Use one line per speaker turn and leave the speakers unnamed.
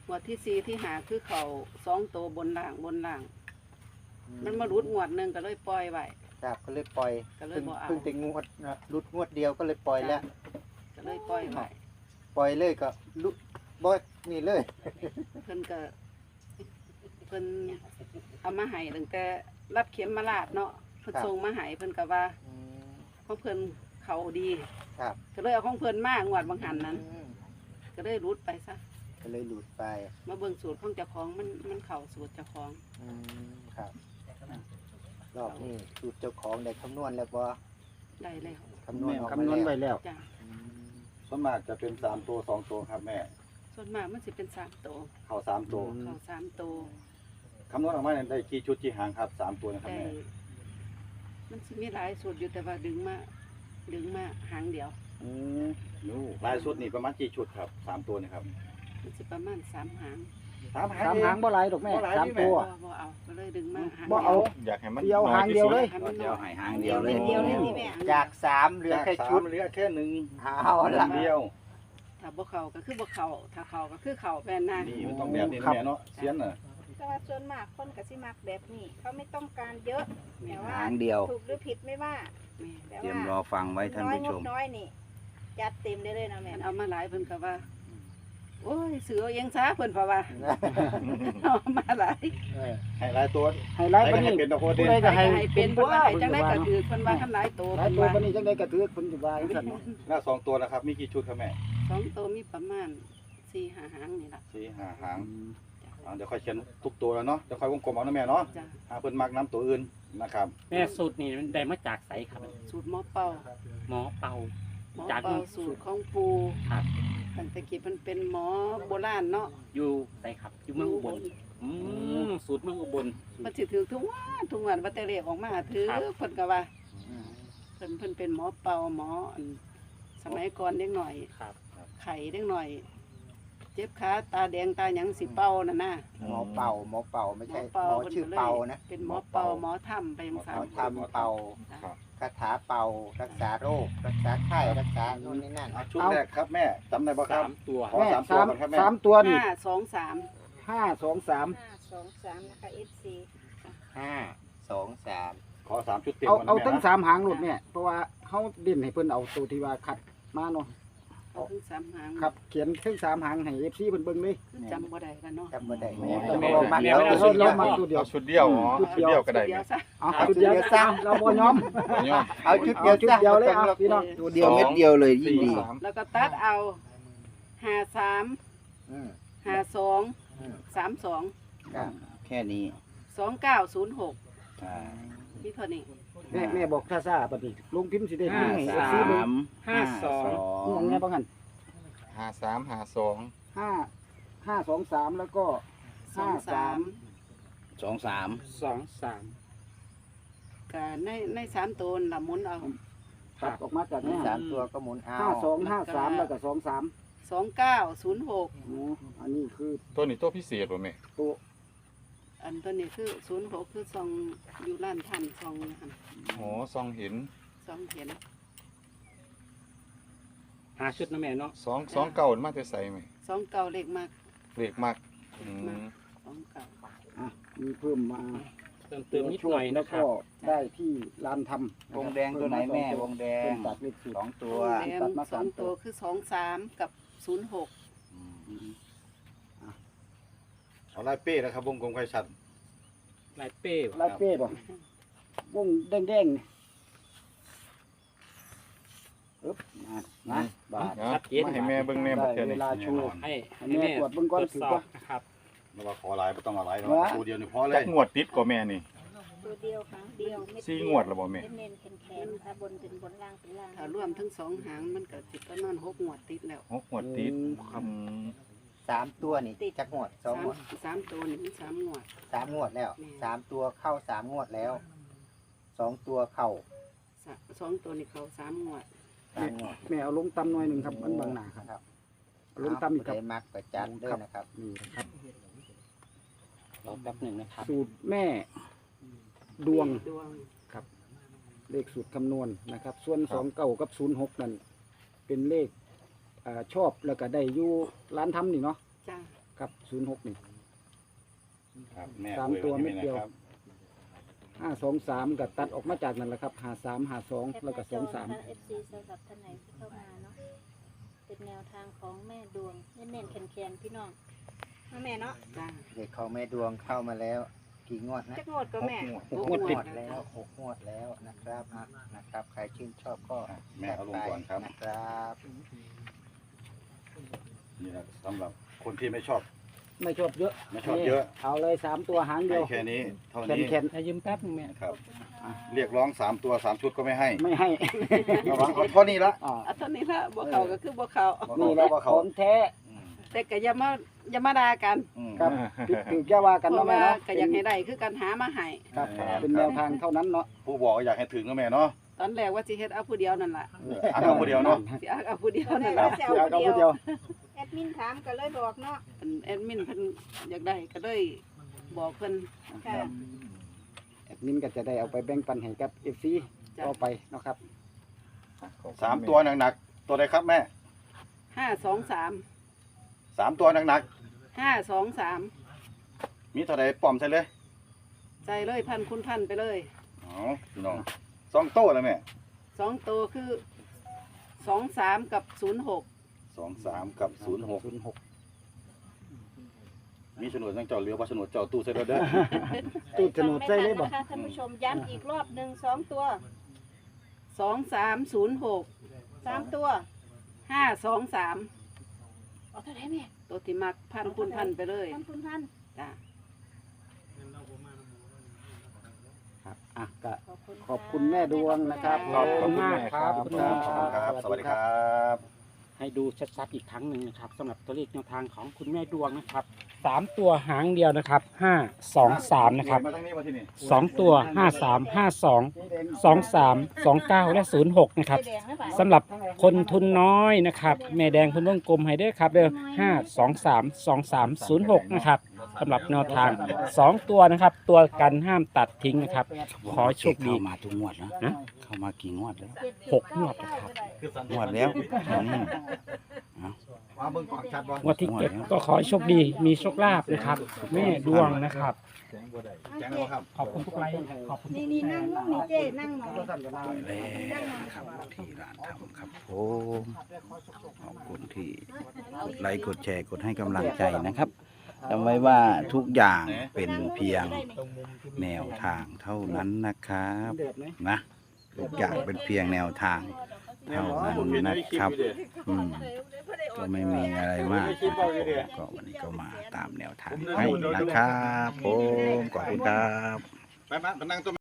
งวดที่4ที่5คือเขา2ตัวบนล่างมันมารุดงวดหนึงก็เลยปล่อยไว้
ครับก็เลยปล่อย
ก็เลยบ่เอา
เพิ่งแต่งวดนะรุดงวดเดียวก็เลยปล่อยแล้ว
ก็เลยปล่อยไว้
ปล่อยเลยก็รุดบ่นี่เลย
เพิ่นเอามาให้ตั้งแต่รับเข็มมาลาดเนาะเพิ่นส่งมาให้เพิ่นก็ว่าของเพิ่นเขาดี
ครับ
ก็เลยเอาของเพิ่นมางวดบางหันนั้น
อืม
ก็เลยรุดไปซะ
ก็เลยหลุดไป
มาเบิ่งสูตรของเจ้าของมันเข้าสูตรเจ้าของ
ครับรอบนี้สูตรเจ้าของได้คำนวณแล้วบ่
ได้แล้ว
คำนวณออก
คำนวณ
มา
ไว้
แล้ว
แล้ว
จ้ะ
อืม
ส่วนมากจะเป็น3ตัว2ตัวครับแม่
ส่วนมากมันสิเป็น3ตัว
เข้า3ตัว
เข้า3ตัว
คำนวณออกมาเนี่ยได้กี่ชุดกี่หางครับ3ตัวนะครับ
ได้
แม่
มันสิมีหลายสูตรอยู่แต่ว่าดึงมาหางเดียว
อืม
ลายชุดนี่ประมาณกี่ชุดครับ3ตัวนี่ครับ
มันสิประมาณ3หาง
3หาง
สามหางบ่หลายดอกแม่
บ่หลาย
สาม
นี่แม่
ตัว
บ่เอาก็เลยดึงมาหาง
บ่เอา
อยากให้มัน
เดียวหางเดียวเลย
ให้มันน้อย
หางเดียวเลย
เดียวเลยนี่แม่
จาก3เหลือแค่ชุด
เหลือแค่1
เอาละ
เดียว
ถ้าบ่เข้าก็คือบ่เข้าถ้าเข้าก็คือเข้าแม่นนะ
นี่มันต้องแบบนี้นะแม่เนาะเสียนน่ะ
แต่ว่าส่วนมากคนก็สิมักแบบนี้เขาไม่ต้องการเยอะแต่ว่า
หางเดียว
ถูกหรือผิดไม่ว่า
แม่
แต่
เตรีย
ว่าม
รอฟังไว้ท่าน
น้อย
ผู้
ง
ช
บ
ม
น้อยนี่จัดเต็มได้เลยนะแม่
มันเอามาหลายเพิ่นก็ว่า โอ้ยเสือเอาเองซะเพิ่นเพราะว่า เอามาหลาย
ให้หลายตัว
ไฮไลท์
ให้
ปานนี้
เป็นตัวโคตร
ผู้
เด่น
ใดก็ให้
ให้เป็นเพิ่นว่าให้จังได๋ก็คือเพิ่นว่าคันหลายโต
หลาย
เพิ่น
ตัว
ว่า
ปานนี้จังได๋ก็ถือเพิ่นสิว่าจังซั่นเนาะ
แล้ว2ตัวนะครับมีกี่ชุดครับแม่
2โตมีประมาณ4-5หางนี่ล่ะ
4 5หางเดี๋ยวค่อยเขียนทุกตัวแล้วเนาะเดี๋ยวค่อยวงกลมเอานะแม่เนาะ
จ้ะ
หาเพิ่นมักน้ำตัวอื่นนะครับ
แม่สูตรนี่มันได้มาจากไสครับ
สูตรหมอเป่า
หมอเป่า
หมอ
จาก
เป่าสูตรของปู่
ครับ
ตั้งแต่กี้เพิ่นเป็นหมอโบราณเนาะ
อยู่ไสครับ อยู่เมืองอุบลสูตรเมืองอุบล
มันสิถือทุกวันว่าแต่เลขออกมาถือ
ครับ
เพิ่นก็ว่าเพิ่นเป็นหมอเป่าหมออันสมัยก่อนเด็กหน่อย
ครับ
ไข้เด็กหน่อย เจ็บขาตาแดงตาหยังสิเป่านั่นน่ะ
หมอเป่าไม่
หม
ใช่
อ
ห
เป่าม
อชื่อเป่านะ
เป็นหมอเป่าหมอถ้ำไปจัง
หม
ซั่น
อทำเป่า
ครับ
คาถาเป่ารักษาโรค รักษาไข้รักษาโน่นนี่นั่น
เอาชุดแรกครับแม่จำได้บ่ครับ
3 ตัว
ขอ
แม่
3ตัว
สาม
ก่อนครับแม่
สามตัวนี่
523
523
523นะคะ FC
5 2 3
ขอ3ชุดเต็ม
เอา
ก่อนนะ
เอา
แม่
ทั้ง
นะ
สามหางโลดแม่เพราะว่าเฮาเด่นให้เพิ่นเอาตัวที่ว่าคัดมาเนาะ
เอาถึง3หาง
ครับเขียนทั้งสามหางให้ FC เพิ่นเบิ่งเลย
คือจำบ่ได้แล้วเนาะ
จำบ่ได้
แม่
ต้อง
แม่
รอมา
แม่
เดี๋ยว
ไม่ได้ชุดเดียวมาตัวเดียว
เอาชุดเดียวอ๋อ
ชุดเดียว
ก็ได้
เดียวซะ
เอาชุดเดียวซะเราบ่ยอม
บ่ยอม
เอาชุด
เอา
เดียว
ชุดเดียวเลยเอาพี่น้อง
ตัวเดียวเม็ดเดียวเลยยิ่งดี
3
แล้วก็ตัดเอา53
อืม
52
อืม
32
ครับ
แค่นี้
2906
อ่า
มีเท่านี้
แม่บอกซ่าๆปฏิลงพิมพ์สิได้
ห้า
ให้
สาม
FC เบิ่ง
52
นี่อย่างเงี้ยบ่กัน
53 52
523แล้วก็53
23
ก็ใน3ตัวน่ะหมุนเอา
ตัดออกมาจากนี้
3 ตัวก็หมุนเอา
5253แล้วก็23
2906
อ๋ออันนี้คือ
ตัวนี้ตัวพิเศษบ่แม่
ตัว
อันตัวนี้คือ06คือซองอยู่ร้านท่านซองนะครับ
โอ้ซองเห็น
ซองเห็น
5 ชุดนะแม่เนาะ
2 เก่ามาแต่ใส่แม่
ซองเก่าเลขมาก
เลขมาก
เลขมากซองเก่า
อ่ะมีเพิ่มมา
เติมนิดหน่อย
แล้
นะ
ว
ครั
ก็
บ
ได้ที่ลานทำ
วงแดงตัวไหนแม่วงแด
เพิ่
ง
มตัดเลขสูตร
2 ตัว
แหลมสองตัวคือ23กับ06
เอาลายเป้นะครับวงกลมไข่ชัด
ลายเป้
ลายเป้บ่วงแดงๆนี่อึ๊บนะบาท
ชัดเจน
มาให้แม่เบิ่งแม่บ่เทื่อ
ได้
นี่
เวลาโชว์
ให้
ให้แม่ตรวจเบิ่งก่อน
ตรวจ
ถือ
สอ
ว่า
บนะครับ
ไม่ว่าขอหลายบ่ต้องเอาหลายเนาะ
วะ
ตัวเดียวนี่พอเล
จั
ย
กงวดติดกว่าแม่นี่
ตัวเดียวครั้งเดียวเม็ด
สี่งวดแล้วบ่แม่
เน้นๆแข็งๆค่ะบนเป็นบนล่างเป็นล่าง
ถ้ารวมทั้ง2หางมันก็สิประมาณ6งวดติดแล้ว
หกงวดติดอืม
3 ตัวนี่จักงวด2งวด
3ตัวนี่มัน3งวด
3 งวดแล้ว
แม่
3 ตัวเข้า 3 งวดแล้ว 2 ตัวเข้า
2ตัวนี่เขา3งวด
3 งวด
แม่เอาลงตำหน่อยหนึ่งครับมันบางหนาครับ
ครับ
เอาลงตำอีกครับ
ได้มักประจันด้วยนะครับ
นี่นะครับ
รอแป๊บหนึ่งนะครับ
สูตรแม่ดวง
ดวง
เลขสูตรคำนวณนะครับ ส่วน29กับ06นั่นเป็นเลขชอบแล้วก็ได้อยู่ร้านทำนี่เนาะ
จ้า
ครับ06นี่
ครับแม่
สาม
อวย
ตัว
ไว้
เม็ด
นี่
เดียว
นะครับ
523ก็ตัดออกมาจากนั่นแหละครับ5352แล้วก็
แคปหน้าจอนะคะ FC สำหรับท่านไหนที่เข้ามาเนาะเป็นแนวทางของแม่ดวงเน้นๆแข็งๆพี่น้องมาแม่เนาะ
จ้า
เด็กของแม่ดวงเข้ามาแล้ว กี่งวดนะ
จักงวดก็แม่
งวดติด
แล้ว6 งวดแล้วนะครับนะครับ ใครชื่นชอบก็
แม่เอาลงก่อนครับ
นะครับ
นี่นะสำหรับคนที่ไม่ชอบ
ไม่ชอบเยอะ
ไม่ชอบเยอะ
เอาเลย3ตัวหางเดี
ให้
ยว
แค่นี้เท่า
แคน
นี้
แคน
ให้ยืมแป๊บนึงแม่
ครับ เรียกร้อง3 ตัว 3 ชุดก็ไม่ให้
ไม่ให้
ระวังเอาเท่านี้ละ
อ่า
เอาเท่านี้ละบ่เข้าก็คือบ่เข้า
นี่แหละ
ว่า
ข
เขา
องแท้
อืม
แต่ก็อย่ามาด่ากัน
อืม
ครับถือแก้ว่ากัน
เพ
เนาะ
ราะ
แม่
ว่า
เนาะ
ก็อยากให้ได้คือการหามาให้
ครับเป็นแนวทางเท่านั้นเนาะ
ผู้บอกก็อยากให้ถึงก็แม่เนาะ
ตอนแรกว่าสิเฮ็ดเอาผู้เดียวนั่นล่ะ
อันเอาคนเดียวเนาะ
สิเอาผู้เดียวนั่น
แล้
ล่ะ
วจะ
เดี๋ยว
เอา
เอา
ผู้
ผู้
เดี
เดี
ย
ยว ว
แอดมินถามก็เลยบอกเนาะ
อันแอดมินเพิ่นอยากได้ก็เลยบอกเพิ่น
ค่ะ
แอดมินก็จะได้เอาไปแบ่งปันให้กับ FC
จ้ะ
ต่อไปเนาะครับ
3 ตัวหนักๆตัวใดครับแม่
523
3 ตัวหนัก
523
ๆมีเท่าใดป้อมใส่เลย
ใจเลยพันคุณพันไปเลย
อ๋อพี่น้อง2 โต้แล้วแม่
2ตัวคือ23กับ06
23 กับ 06
06
มีโฉนดยังเจ้าเหลือบ่โฉนดเจ้าตู้ใส่เด้อ
ตู้โฉนดใส่เลยบ่
นะคะท่านผู้ชมย้ำอีกรอบหนึ่ง2 ตัว
2306
3 ตัว
523
เอาเท่าไหร่แม่
ตัวที่มักพันคุณพันไปเลย
ท่านคุณท่าน
จ้ะ
ครับอ่ะก็
ข
ขอบคุณแม่ดวงนะครับ
ขอบคุณมาก
ครับ
ขอบคุณครับสวัสดีครับ
ให้ดูชัดๆอีกครั้งหนึ่งนะครับสำหรับตัวเลขแนวทางของคุณแม่ดวงนะครับ3ตัวหางเดียวนะครับ523นะครับ
มาทางนี้มาที่นี่
2ตัว53 52 23 29และ06นะครับ
แดงหรือเปล่า
สำหรับคนทุนน้อยนะครับแม่แดงเพิ่นวงกลมให้เด้อครับเด้อ5232306นะครับสำหรับแนวทาง2ตัวนะครับ ตัวกันห้ามตัดทิ้งนะครับ ขอโชคดี
เข้ามาทุกงวดนะ
นะ
เข้ามากี่งวดแล้ว
6 งวดนะครับ
งวดแล้วอืม
มาเบิ่งก่อนชัดบ่
งวดที่7ก็ขอให้โชคดีมีโชคลาภนะครับ แม่ดวงนะครับ
แจ้งแล้วครับ
ขอบคุณทุกไลค์ขอบคุณ
นี่นั่งลงนี่เจ้นั่งหน่อย
แล้วครับที่ร้านทำครับผมขอบคุณที่กดไลค์กดแชร์กดให้กำลังใจนะครับจำไว้ว่าทุกอย่างเป็นเพียงแนวทางเท่านั้นนะครับนะทุกอย่างเป็นเพียงแนวทางเท่านั้นนะครับก็ไม่มีอะไรมากนะครับผมก็วันนี้ก็มาตามแนวทางให้นะครับผมขอบคุณครับ
ไปมานั่งตัว